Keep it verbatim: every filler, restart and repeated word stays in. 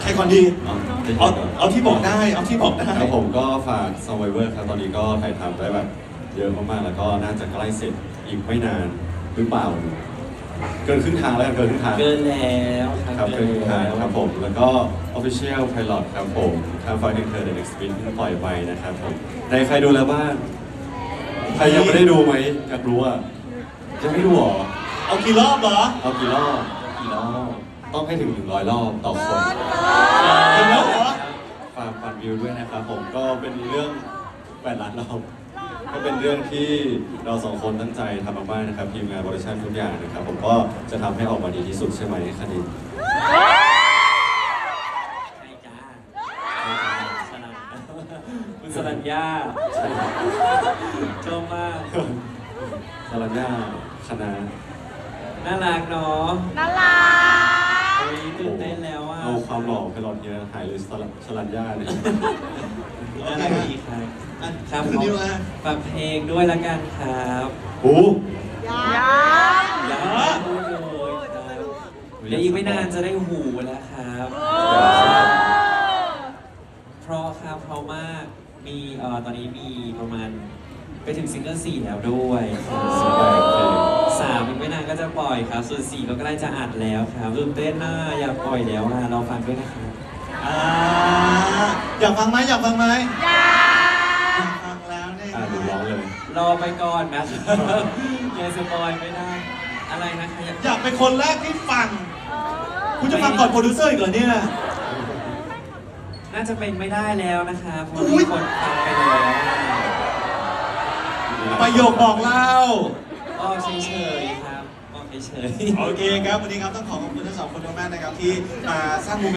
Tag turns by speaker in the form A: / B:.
A: รก่อนดี
B: เอา
A: เอาเอาที่บอกได้เอาที่บอกได้
B: ครับผมก็ฝาก Survivor ครับตอนนี้ก็ถ่ายทำได้แบบเยอะมากๆแล้วก็น่าจะใกล้เสร็จอีกไม่นานหรือเปล่า เกินครึ่งทางแล้วกันเกินครึ่งทาง
C: เกินแล้ว
B: ครับเกินครึ่งทางครับผมแล้วก็ Official Pilot ครับผมทาง Fight and Her The Next Spin เพิ่งปล่อยไปนะครับผมในใครดูแล้วบ้างใครยังไม่ได้ดูไหมอยากรู้อ่ะยังไม่ดูหรอ
A: เอากี่รอบเหรอ
B: เอากี่รอบกี่รอบต้องให้ถึงหนึ่งร้อยรอบต่อคน
A: ถึงแล้วเหรอ
B: ฝากปั่นวิวด้วยนะครับผมก็เป็นเรื่องแปดล้านรอบก็เป็นเรื่องที่เราสองคนตั้งใจทำมากๆนะครับทีมงานโปรดักชั่นทุกอย่างนะครับผมก็จะทำให้ออกมาดีที่สุดใช่ไหมคณิน
C: ใช่จ้าสนันคุณสนันยา
B: ใช่ครับ
C: ชอบมาก
B: สรัญญาคณะ
C: น่ารักเนาะ
D: น่ารัก
C: โอ้ยตื่นเต้นแล้วอ่ะ
B: เอาความหล่อไปหลอดเยอะหายเลยสรัญสรัญญาเนี่ย
C: น่ารักดีครับ
A: อ่ะ
C: ครับ
A: คุณนิวอ่ะ
C: ฝากเพลงด้วยละกันครับ
B: โอ้
D: ยัง
C: อย่าพูดเลยครับเดี๋ยวอีกไม่นานจะได้หูแล้วครับ เพราะครับเพราะมากมีเอ่อตอนนี้มีประมาณไปถึงซิงเกิลสี่แล้วด้วย
B: สบายเพลง
C: สามอีกไม่นานก็จะปล่อยครับ ส่วนสี่ก็ใกล้จะอัดแล้วครับตื่นเต้นน่าอยากปล่อยแล้วอ่ะเราฟังด้วยนะครับ
A: อ่าอยากฟังไหมอยากฟังไหม
D: ยัง
A: อยากฟังแล้วเนี่ย
B: อ่าดูร้องเลย
C: รอไปก่อนนะอย่าสปอยไม่ได้ อะไรนะคะอยาก
A: อยากเป็นคนแรกที่ฟัง คุณจะฟังก่อนโปรดิวเซอร์อีกเหรอเนี่ย
C: น่าจะเป็นไม่ได้แล้วนะคะเพราะ
A: อุ๊
C: มี
A: ย
C: คนฟังไปแล้ว
A: ประโยคบอกเล่า
C: ก็เฉยๆครับก็เฉยๆ
A: โอเคครับ วันนี้ครับต้องขอขอบคุณทั้งสองคนมากๆนะครับที่มาสร้างมุม